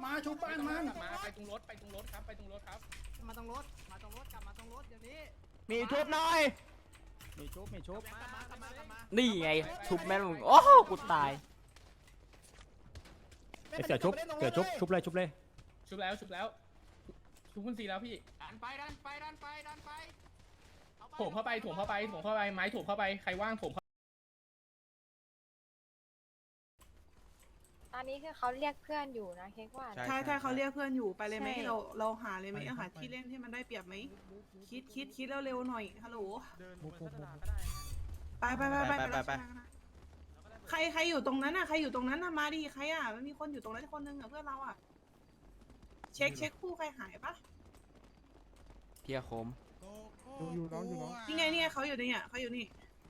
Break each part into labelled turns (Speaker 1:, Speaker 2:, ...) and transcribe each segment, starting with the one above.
Speaker 1: มาชุบบ้านมัน
Speaker 2: มาไปตรงรถครับไปตรงรถครับ
Speaker 3: มาตรงรถกลับมาตรงรถเดี๋ยวนี้
Speaker 4: มีชุบหน่อย
Speaker 1: มีชุบมีชุบ
Speaker 3: กลับมากลับมา
Speaker 4: นี่ไงชุบแม่มึงโอ้โหกูตาย
Speaker 1: เสือชุบชุบเลยชุบเลย
Speaker 2: ชุบแล้วชุบคุณซีแล้วพี่
Speaker 3: ดันไป
Speaker 2: โถมเข้าไปไม้โถมเข้าไปใครว่างโถมเข้า
Speaker 5: ตอนนี้คือเขาเรียกเพื่อนอยู่นะเค้กว่า
Speaker 6: ใช่เขาเรียกเพื่อนอยู่ไปเลยไหมเราหาเลยไหมหาที่เล่นที่มันได้เปรียบไหมคิดเร็วๆหน่อยฮัลโหลไปใครอยู่ตรงนั้นอ่ะใครอยู่ตรงนั้นอ่ะมาดิใครอ่ะมันมีคนอยู่ตรงนั้นคนนึงอ่ะเพื่อนเราอ่ะเช็คคู่ใครหายปะ
Speaker 4: เพียคม
Speaker 7: อยู่น้องอยู่น้อง
Speaker 6: นี่ไงเขาอยู่นี่เขาอยู่นี่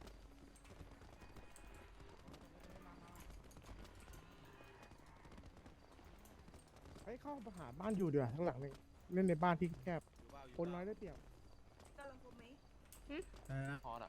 Speaker 7: ให้เข้าไปหาบ้านอยู่เดี๋ยวข้างหลังเลยเล่นในบ้านที่แคบคนน้อยได้เปรียบ
Speaker 8: พอละ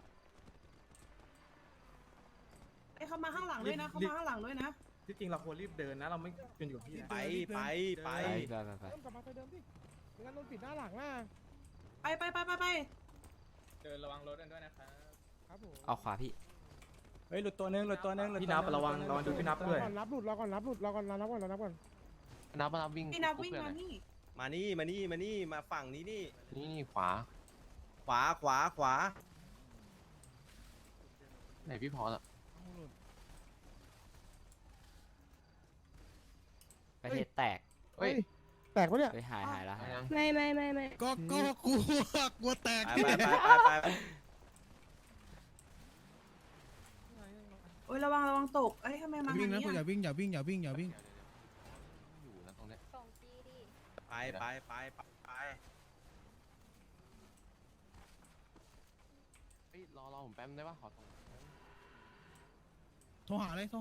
Speaker 6: ไอ้เขามาข้างหลังด้วยนะเขามาข้างหลังด้วยนะ
Speaker 1: ที่จริงเราควรรีบเดินนะเราไม่เป็นอยู่ที่
Speaker 8: ไป
Speaker 4: ไป
Speaker 7: เริ่มกลับมาไปเดิมดิงั้นโดนปิดหน้าหลังนะ
Speaker 6: ไป
Speaker 2: เดินระวังรถกันด้วยนะครับ
Speaker 7: ครับผม
Speaker 4: เอาขวาพี่
Speaker 1: เฮ้ยหลุดตัวนึงพี่นับระวังดูพี่นับด้วย
Speaker 7: รอก่อนนับหลุดรอก่อนนับก่อน
Speaker 8: นับวิ่ง
Speaker 6: พี่นับวิ่งมานี่
Speaker 8: มาฝั่งนี้นี่
Speaker 2: นี่ขวา
Speaker 8: ขวาไหนพี่พอละ
Speaker 4: ประเทศแตก
Speaker 8: เฮ้ย
Speaker 7: แตกปะเนี่ย
Speaker 4: เฮ้ยหายแล้ว
Speaker 5: ไม่
Speaker 7: ก็กลัวแตก
Speaker 8: ไป
Speaker 6: โอ้ยระวังตกเอ้ยทำไมมา
Speaker 7: วิ่งนะ
Speaker 6: ทาง
Speaker 7: อย่า
Speaker 6: นี้
Speaker 7: วิ่ง
Speaker 8: อยู่นะตรงเนี้ย
Speaker 5: ส่งจีดิ
Speaker 8: ไปเฮ้ยรอผมแป๊บได้ปะขอตรง
Speaker 7: โทรหาเลย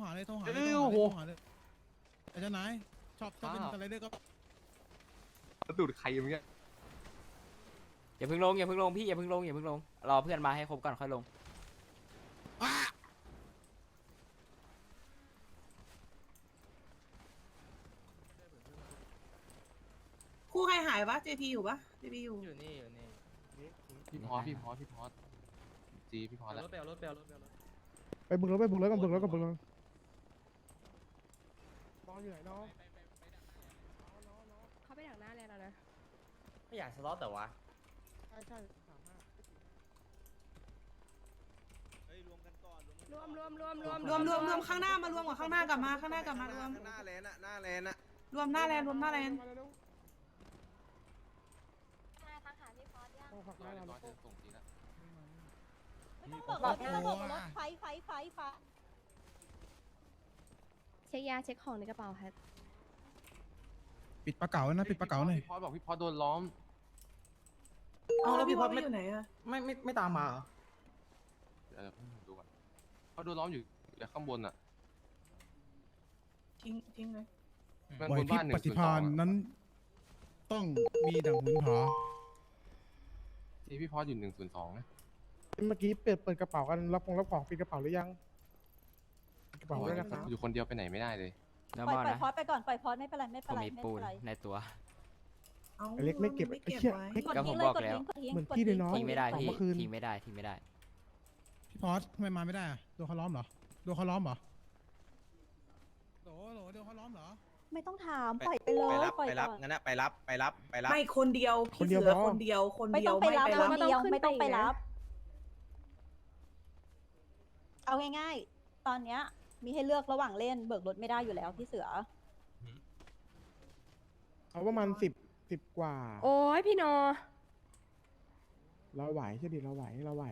Speaker 7: ไอ้เจ้านายชอบเป็นอะไรด้วยก็
Speaker 8: ดูดใครอย่างเงี้ย
Speaker 4: อย่าเพิ่งลงพี่อย่าเพิ่งลงรอเพื่อนมาให้ครบก่อนค่อยลง
Speaker 6: คู่ใครหายวะ JP อยู่ปะ JP อยู่
Speaker 2: อยู่นี่
Speaker 8: พี่พอจีพี่พอแล้ว
Speaker 2: รถไปเอารถ
Speaker 7: ไปบุกรถก่อนบุกรถนอนอยู่ไหนน้อง
Speaker 5: เขาไปดักหน้าแล้วนะ
Speaker 4: ไม่อยากสล็อตแต่ว่า
Speaker 7: ใช่35
Speaker 8: เฮ้ยรวมกันก่อน
Speaker 5: รวม
Speaker 6: ข้างหน้ามารวมกับข้างหน้ากลับมารวม
Speaker 8: หน้าแลนอะ
Speaker 6: รวมหน้าแลน
Speaker 7: มาเร็ว
Speaker 5: ทักหาพี่พอสยัง
Speaker 7: ต้องฝัก
Speaker 8: ร
Speaker 7: ห
Speaker 8: อ
Speaker 7: น้า
Speaker 8: เดี๋ยว
Speaker 7: เรา
Speaker 8: ก่อนจะส่งทีละ
Speaker 5: บอกหน้าบอกรถไฟเช็คยาเช็คของในกระเป๋าครับ
Speaker 7: ปิดปลาเก๋านะปิดปลาเก๋าหน่อย
Speaker 8: พี่พอบอกพี่พอโดนล้อม
Speaker 6: เอาแล้วพี่พอดไม่อยู่ไหนอะ
Speaker 1: ไม่ตามมาเหรอ
Speaker 8: เดี๋ยวดูก่อนเขาโดนล้อมอยู่ข้างบนอ่ะ
Speaker 6: ทิ้งเลย
Speaker 8: มัน
Speaker 7: ไหว
Speaker 8: บน
Speaker 7: พริ
Speaker 8: บ้าน
Speaker 7: บปฏิภาณนั้น ต้องมีดังหุนหอ
Speaker 8: ที่พี่พออยู่102นะ
Speaker 7: เมื่อกี้เปิดกระเป๋ากันรับของปิดกระเป๋าหรือยังกระเป๋าด้วยนะครับ
Speaker 8: อยู่คนเดียวไปไหนไม่ได้เลย
Speaker 4: แล้ว
Speaker 9: ปล่
Speaker 4: ม
Speaker 9: อ
Speaker 4: อย นะ
Speaker 9: พอดไปก่อนปล่อยพอดไม่เป็นไรไม่
Speaker 4: ผ
Speaker 9: เป็น
Speaker 4: ม
Speaker 9: ไร
Speaker 4: มี
Speaker 9: ไม่
Speaker 4: ปู
Speaker 9: เป็น นไร
Speaker 4: ในตัว
Speaker 6: เอา
Speaker 7: ไอ้เล็กไม่เก็บ
Speaker 6: ไม่
Speaker 7: ไอ้
Speaker 6: เก็บ
Speaker 7: เชี่ย
Speaker 6: ไว้
Speaker 7: เล็ก
Speaker 9: กด
Speaker 4: ก็ผม
Speaker 9: ทิ้งเล
Speaker 4: บ
Speaker 9: ย
Speaker 4: อก
Speaker 9: กด
Speaker 4: แล้ว
Speaker 9: ทิ้งกดทิ้ง
Speaker 7: เหมือน
Speaker 9: กด
Speaker 7: พี่เลยน้อง
Speaker 4: ทิ้งไม่ได้พี่
Speaker 7: เมื่อคืน
Speaker 4: ทิ้งไม่ได้ทิ้งไม่ได้
Speaker 7: พี่พอสทำไมมาไม่ได้อะโดนเขาล้อมเหรอโดนเขาล้อมเหรอโหโดนเขาล้อมเหรอ
Speaker 9: ไม่ต้องถามปล่อยไปเลยปล่อย
Speaker 8: ไปรับ
Speaker 9: ก่อน
Speaker 8: งั้นนะไปรับ
Speaker 6: ไม่คนเดียวพี่เสือคนเดียว
Speaker 9: ไม่ต้องไปรับ
Speaker 6: ไม่
Speaker 9: คนเดียวไม่ต้องไปรับ เอาง่ายๆ ตอนเนี้ยมีให้เลือกระหว่างเล่นเบิกรถไม่ได้อยู่แล้วพี่เสือ
Speaker 7: เขาประมาณ10กว่า
Speaker 5: โอ้ยพี่โน
Speaker 7: เราไหวใช่ดิเราไหว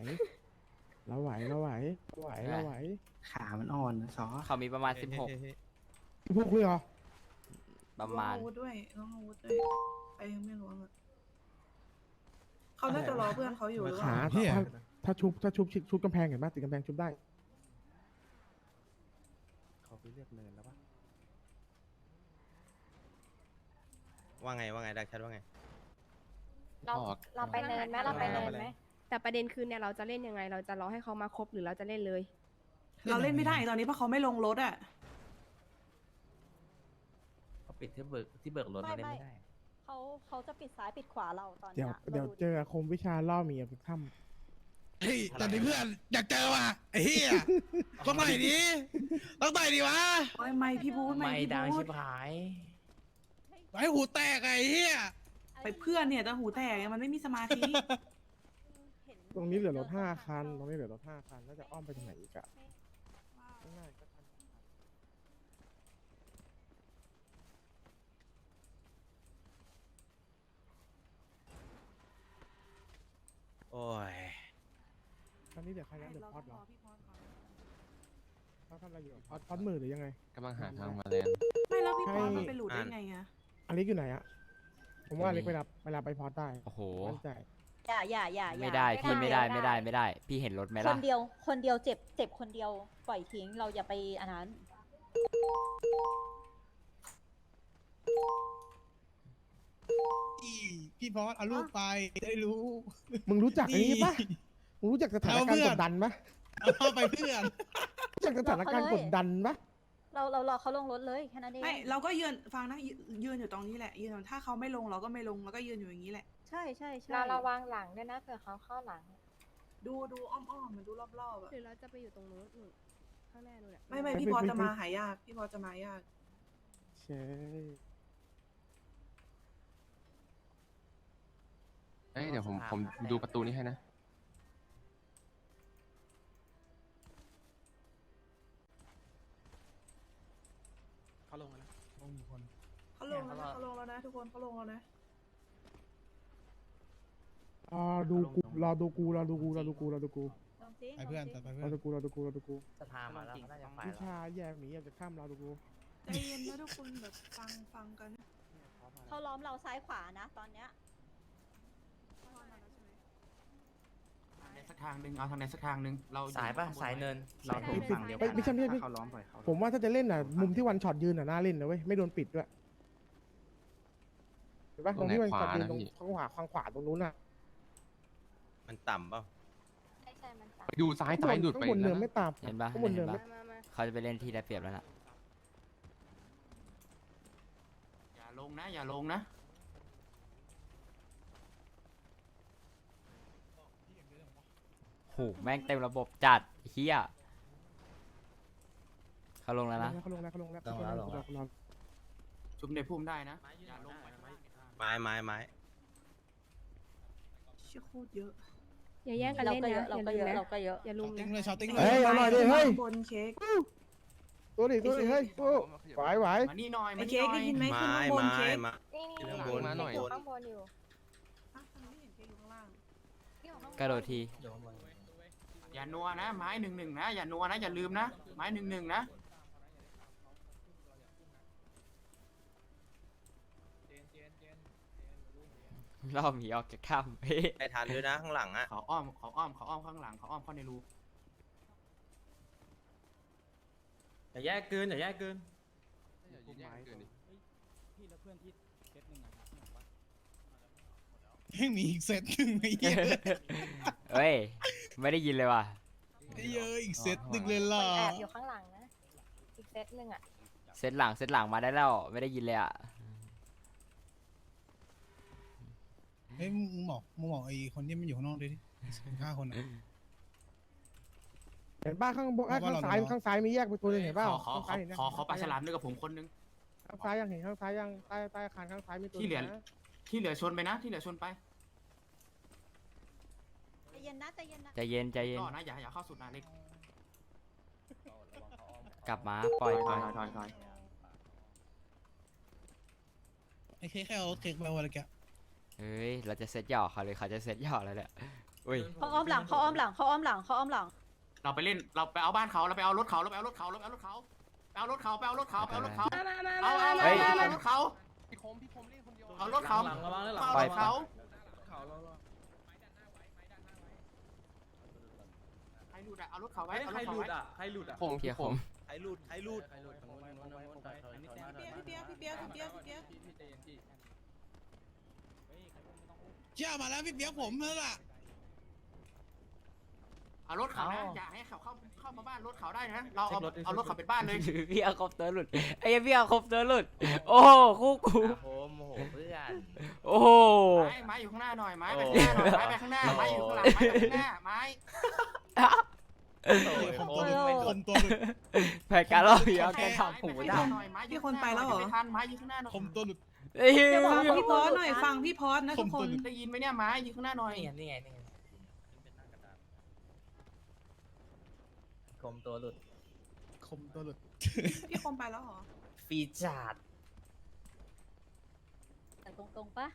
Speaker 1: ขามันอ่อนซอ
Speaker 4: เขามีประมาณ16
Speaker 7: พวกเลยเหรอ
Speaker 4: ประมาณ
Speaker 6: น้องอาวุธด้วยใครยังไม่รู้อะเขาน่าจะรอเพื่อนเขาอยู่หรือเป
Speaker 7: ขา
Speaker 6: ล่า
Speaker 7: ถ้าชุบกำแพงเห็นไหมติดกำแพงชุบได้
Speaker 1: เขาไปเรียกเนินแล้วปะ
Speaker 8: ว่าไงดักชัดว่าไง
Speaker 5: เราไปเนินไหมเราไปเนินไหมแต่ประเด็นคือเนี่ยเราจะเล่นยังไง เราจะรอให้เขามาครบหรือเราจะเล่นเลย
Speaker 6: เราเล่นไม่ได้ตอนนี้เพราะเขาไม่ลงรถอะ
Speaker 10: ปิดที่เบิกรถเราเล่นไม่ได้
Speaker 9: เขาจะปิดซ้ายปิดขวาเราตอน
Speaker 7: เดี๋ยว
Speaker 9: เนี้ย
Speaker 7: เจอคมวิชาล่อเมียทุกค่ำเฮ้ยแต่นี่เพื่อนอยากเจอว่ะไอ้เหี้ยต้องไหนดีต้องไหนดีวะ
Speaker 6: โอ้ยไม่พี่บูธ
Speaker 10: ไม่
Speaker 6: พี่
Speaker 10: ดัง
Speaker 6: บู
Speaker 10: ชิ
Speaker 6: ธ
Speaker 10: บหาย
Speaker 7: ไอ้หูแตกไอ้เหี้ย
Speaker 6: ไปเพื่อนเนี่ยแต่หูแตกมันไม่มีสมาธิ
Speaker 7: ตรงนี้เหลือรถ5 คันตรงนี้เหลือรถ5 คันแล้วจะอ้อมไปทางไหนอีกอะง่ายๆก็ทัน
Speaker 1: โอ้ย
Speaker 7: ตอนนี้เดี๋ยวใครนะเดี๋ยวพอดเหรอเขาทำอะไรอยู่พอดมือหรือยังไง
Speaker 8: กำลังหาทางมาแลนด์
Speaker 6: ไม่แล้วพี่พอมันไปหลุดได้ไงอะ
Speaker 7: อเล็กอยู่ไหนอะผมว่าอเล็กไปรับไปพอดได้
Speaker 4: โอ้โห
Speaker 7: มั่นใจ
Speaker 9: อย่า
Speaker 4: ไม่ได้พี่ไม่ได้พี่เห็นรถไหม
Speaker 9: ค
Speaker 4: ล่ะ
Speaker 9: นเดียวเจ็บคนเดียวปล่อยทิ้งเราอย่าไปอันนั้น
Speaker 7: พี่พอดเอาลูกไปได้รู้ มึงรู้จักไอ้นี่ปะมึงรู้จักสถานการณ์กดดันปะเอาไปเพื่อนรู้จักสถานการณ์กดดันปะ
Speaker 9: เรารอเขาลงรถเลยแค่นั้นเอง
Speaker 6: ไม่เราก็ยืนฟังนะยืนอยู่ตรงนี้แหละยืนถ้าเขาไม่ลงเราก็ไม่ลงแล้วก็ยืนอยู่อย่างนี้แหละ
Speaker 9: ใช่
Speaker 5: เราระวังหลังด้วยนะเผื่อเขาเข้าหลัง
Speaker 6: ดูอ้อมๆมันดูรอบๆอะ
Speaker 5: หรือเราจะไปอยู่ตรงนู้นข้างหน้านู้นอะ
Speaker 6: ไม่พี่พอจะมาหายากพี่พอจะมายาก
Speaker 7: ใช่
Speaker 8: เอ้ยเดี๋ยวผมดูประตูนี้ให้นะ
Speaker 1: เขาลงแล้ว
Speaker 7: ต้องมีคน
Speaker 6: เขาลงแล้วนะทุกคนเขาลงแล้วนะ
Speaker 7: รอดูกู
Speaker 9: ไอเพื่อน
Speaker 7: รอดูกู
Speaker 10: สภามาแล้วน่าจะฝ่าย
Speaker 7: วิ
Speaker 10: เรา
Speaker 7: ชาแยกหนีอยากจะข้ามรอดูกู
Speaker 6: ใจเย็นนะทุกคนแบบฟังกัน
Speaker 9: เขาล้อมเราซ้ายขวานะตอนเนี้ย
Speaker 2: สักทางหนึ่งเอาทางไหนสักทางหนึ่งเรา
Speaker 10: สายป่ะสายเนินเราถูกฝั่งเดียว
Speaker 7: เฮ้ยไม่ใช่
Speaker 1: เขาล้อมปล่อยเขา
Speaker 7: ผมว่าถ้าจะเล่นน่ะ มุมที่วันช็อตยืนน่ะน่าเล่นนะเว้ยไม่โดนปิดด้วยเห็นปะตรงที่วันช็อตยืนตรงข้างขวาตรงนู้นน่ะ
Speaker 1: มันต่ำเปล่า
Speaker 5: ใช่มันตาม
Speaker 8: ไปดูซ้ายหลุดไป
Speaker 7: ข้างบน
Speaker 8: แล้
Speaker 7: เนิ
Speaker 8: วน
Speaker 7: ไม่
Speaker 8: นะ
Speaker 7: ตาม
Speaker 4: เห็นปะ
Speaker 7: ข้างบน
Speaker 4: เห็
Speaker 7: เนิ
Speaker 4: น
Speaker 7: น
Speaker 4: ปะ
Speaker 7: ไม่
Speaker 4: เขาจะไปเล่นที่ได้เปรียบแล้วน่ะ
Speaker 2: อย่าลงนะ
Speaker 4: โหแม่งเต็มระบบจัดเฮียเขาลงแล้วนะ
Speaker 7: เขาลงแล้ว
Speaker 2: ชุบในพุ่มได้นะอย่าลงไป
Speaker 1: ไม้
Speaker 6: เชื่อโคตรเยอะ
Speaker 5: อย่าแย่งกัน
Speaker 9: เรา
Speaker 5: เล่น
Speaker 9: ก็เย
Speaker 5: นะ
Speaker 9: อะเราก็เยอะเราก็เยอะ
Speaker 5: อย่าลุมนะ
Speaker 7: เฮ้ยเอาหน่อยดิเฮ้ย
Speaker 6: บนเค้ก
Speaker 7: ตัวดิเฮ้ยไหว
Speaker 2: มานี่หน่อย
Speaker 6: ไอ้เค้กได้ยินไหมขึ้นข้างบนเค้ก
Speaker 5: นี่
Speaker 1: ข้างบน
Speaker 5: อยู่ข้างบนอยู่
Speaker 6: ไม่เห็นเค้กอยู่ข้างล่าง
Speaker 4: กระโดดที
Speaker 2: อย่านัวนะไม้1-1นะอย่านัวนะอย่าลืมนะไม้1-1นะ
Speaker 4: รอบหมีออกจากถ้ำเฮ้ย
Speaker 1: ไปทันด้วยนะข้างหลังอ่ะ
Speaker 2: เขาอ้อมข้างหลังเขาอ้อมเข้าในรู
Speaker 1: อย่าแยกเกิน
Speaker 8: อย่ายืนแยกเกินดิ
Speaker 1: พี่แล้วเพื่อนที่เซตหนึ่งอะครับ
Speaker 7: ยังมีอีกเซตหนึ่งไอ้เหี้ย
Speaker 4: เฮ้ยไม่ได้ยินเลยว่ะ
Speaker 7: เยอะอีกเซตหนึ่งเลยล่ะ
Speaker 5: มันแอบอยู่ข้างหลังนะอีกเซตหนึ่งอะ
Speaker 4: เซตหลังมาได้แล้วไม่ได้ยินเลยอ่ะ
Speaker 7: เฮ้ยมึงบอกไอ้คนที่มันอยู่ข้างนอกดิ5 คนเห็นป้าข้างบนข้างซ้ายมีแยกไปตัวนึงเห็นป่า
Speaker 2: ขอปลาฉลามด้วยกับผมคนนึง
Speaker 7: ข้างซ้ายยังเห็นข้างซ้ายยังใต้อาคารข้างซ้ายมีตัว
Speaker 2: ที่เหลือชนไปนะที่เหลือชนไป
Speaker 9: ใจเย็นนะ
Speaker 4: ใจเย็น
Speaker 2: ก็นะอย่าเข้าสุดนะเล็ก
Speaker 4: กลับมาปล่อย
Speaker 2: ถอย
Speaker 7: ไอ้เค้กเอาเค้กไปวันละแก
Speaker 4: เฮ้ยเราจะเซตหยอกเขาเลยเขาจะเซตหยอกแล้วเนี่ยอุ้ย
Speaker 9: เขาอ้อมหลัง
Speaker 2: เราไปเล่นเราไปเอาบ้านเขาเราไปเอารถเขาไปเอารถเขาเอารถเขาเอารถเขาเอารถเขา
Speaker 4: เฮ้ย
Speaker 2: รถเขา
Speaker 8: พี่คมเล่นคนเดียว
Speaker 2: เอารถเขา
Speaker 4: ปล่อย
Speaker 2: เขาใครหลุดอะเอารถเขาไว้เอารถเขาไว้
Speaker 1: ใครหลุดอ่ะ
Speaker 8: ผม
Speaker 4: เพียผม
Speaker 1: ใครหลุด
Speaker 6: พี่เปียก
Speaker 7: เชื่อมาแล้วพี่เปียกผมนั่นแหละ
Speaker 2: เอารถเขานะอย่าให้เขาเข้ามาบ้านรถเขาได้นะเราเอารถเขาเป็นบ้านเลย
Speaker 4: พี่เอาคอปเตอร์หลุดไอ้เหี้ยพี่เอาคอปเตอร์หลุดโอ้โหคู่กู
Speaker 10: โอ้โหเพื่อน
Speaker 4: โอ้โห
Speaker 2: ไม้อยู่ข้างหน้าหน่อยไม้ไปข้างหน้าหน่อยไม้ไปข้างหน้าไม้อยู่ข้างหลังไม้ไปข้างหน้าไม้
Speaker 7: คมตัวหลุด
Speaker 4: แผนการเราพี่เอาแกทำหู
Speaker 2: ไม่
Speaker 4: ได้
Speaker 2: ได้พี่คนไปแล้วเหรอไม่ทันไม้อยู่ข้างหน้าหน่อย
Speaker 7: คมตัวหลุด
Speaker 4: ไอ้เหี้ย
Speaker 6: เดี๋ยวฟังพี่พอสหน่อยฟังพี่พอสนะทุกคน
Speaker 2: ได้ยินไหมเนี่ยไม้อยู่ข้างหน้าหน่อย
Speaker 10: นี่ไงคมตัวหลุด
Speaker 7: คมตัวหลุด
Speaker 6: พี่คมไปแล้วเหรอ
Speaker 10: ฟีจาด
Speaker 9: แต่ตรงๆปะ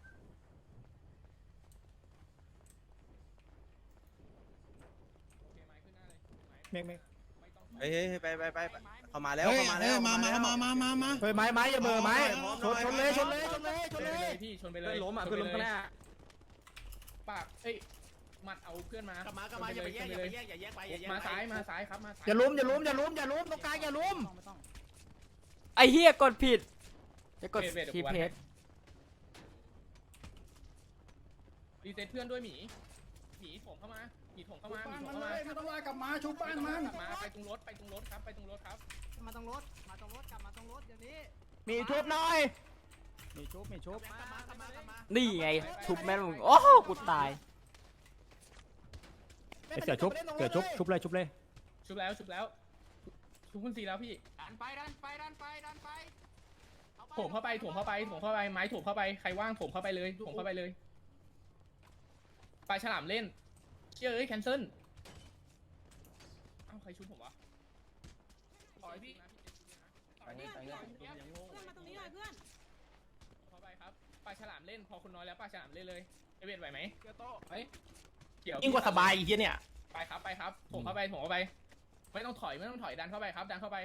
Speaker 1: เมฆ
Speaker 3: เฮ้ยไปเขามาแล้วเขามาแล้วมา
Speaker 1: เฮ้ยไม้อย่าเบอร์ไม้ชนเลย
Speaker 11: พี่ชนไปเล
Speaker 1: เพื่อย นล้มอ่ะเพื่อนล้มข้างหน้า
Speaker 11: ปากเอ้ยมัดเอาเพื่อนมาก
Speaker 3: ลับมาอย่าไปแยกอย่าแยกไป
Speaker 11: มาซ้ายครับมาซ้าย
Speaker 1: อย่าล้มตรงกลางอย่าล้ม
Speaker 4: ไอ้เหี้ยกดผิดจะกดทีเพจ
Speaker 11: รีเซ็ตเพื่อนด้วยหมีถมเข้ามาหมีถมเข้ามา
Speaker 7: ไม่ต้องลากลับมาชุบบ้านมัน
Speaker 11: ไปตรงรถครับไปตรงรถครับ
Speaker 3: มาตรงรถกลับมาตรงรถเดี๋ยวนี้
Speaker 1: มีชุบหน่อยมีชุบ
Speaker 3: กลับมา
Speaker 4: นี่ไงชุบแม่งโอ้โหกูตาย
Speaker 1: เสือชุบเลยชุบเลย
Speaker 11: ชุบแล้วชุบคุณสีแล้วพี่
Speaker 2: ดันไป
Speaker 11: ถมเข้าไปไม้ถมเข้าไปใครว่างถมเข้าไปเลยปลาฉลามเล่นเชื่อแคนเซิลเอ้าใครชุบผมวะถอยพี่
Speaker 6: เพื่อนมาตรงนี้หน่อยเพื่อน
Speaker 11: เข้าไปครับปลาฉลามเล่นพอคุณน้อยแล้วปลาฉลามเล่นเลยเอเวนไหวไหมเฮ้ยเกี่ยว
Speaker 1: ยิ่งกว่าสบายอีกเนี่ย
Speaker 11: ไปครับถมเข้าไปไม่ต้องถอยดันเข้าไปครับดันเข้าไป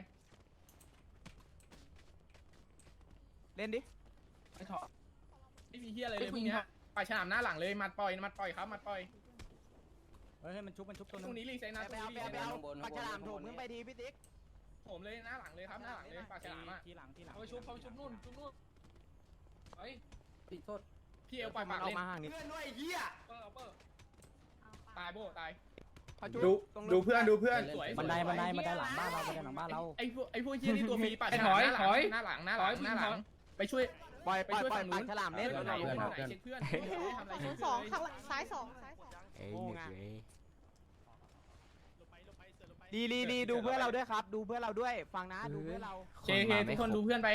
Speaker 1: เล่นดิ
Speaker 11: ไม่ถอยไม่มีเฮียอะไรเลยพวกเนี้ยปลาฉลามหน้าหลังเลยมัดปล่อยครับมัดปล่อย
Speaker 1: เฮ้ยมันชุบตัว
Speaker 11: ตรงนี้รีเซ็ตนะตรงนี้รีเซ็ต
Speaker 1: ปลาฉลามถูกขึ้นไปทีพี่ติ๊ก
Speaker 11: ผมเลยหน้าหลังเลยครับหน้าหลังเลยปลาฉลามอ่ะ
Speaker 1: ทีหลัง
Speaker 11: เขาไปชุบนู่นเฮ้ย
Speaker 1: โทษ
Speaker 11: พี่เอลปล่อยปากเล่น
Speaker 1: มาห่างนิด
Speaker 3: เพื่อนด้วยเฮีย
Speaker 11: เปิดตายโบตาย
Speaker 1: ดูเพื่อน
Speaker 11: สวย
Speaker 1: บันไดหลังบ้านเรา
Speaker 11: ไอ้พวกเฮียนี่ตัวฟรีปลาฉลามหน้าหลังไปช่วย
Speaker 1: ปล่อย
Speaker 11: ฝั่งนู้น
Speaker 1: ฉลามเล่น
Speaker 11: เช็คเพื่อนทำอะไร
Speaker 5: สองข้างซ้ายสอง
Speaker 4: เอ้ยหนึ่งเลย
Speaker 1: ดีดูเพื่อนเราด้วยครับ ดูเพื่อนเราด้วยฟังนะดูเพื่อนเรา
Speaker 11: เคทุกคนดูเพื่อนไป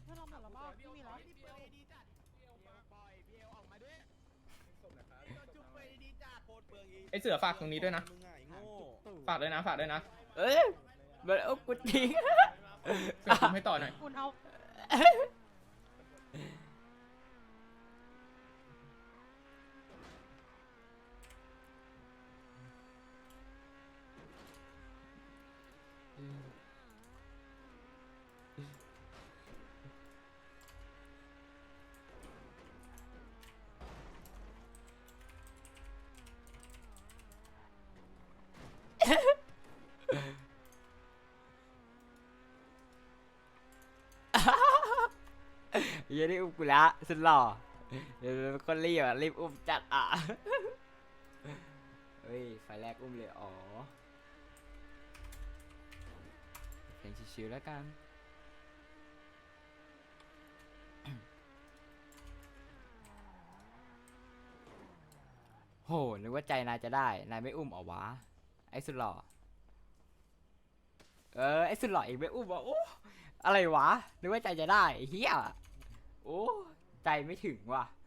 Speaker 11: ไอเสือฝากตรงนี้ด้วยนะฝากด้วยนะ
Speaker 4: เอ้ยมันเอากูทิ้ง
Speaker 11: เสือคุมให้ต่อหน่อย
Speaker 5: คุณเอา
Speaker 4: เหี้ยนี่อุ้มกูละสุดหล่อเดี๋ยวคนรีบรีบอุ้มจัดอ่ะเฮ้ยไฟแรกอุ้มเลยอ๋อเพลงชิวๆแล้วกัน โหนึกว่าใจนายจะได้นายไม่อุ้มเหรอวะไอ้สุดหล่อไอ้สุดหล่อเองไม่อุ้มวะโอ้อะไรวะนึกว่าใจจะได้เฮียโอ้ใจไม่ถึงว่ะ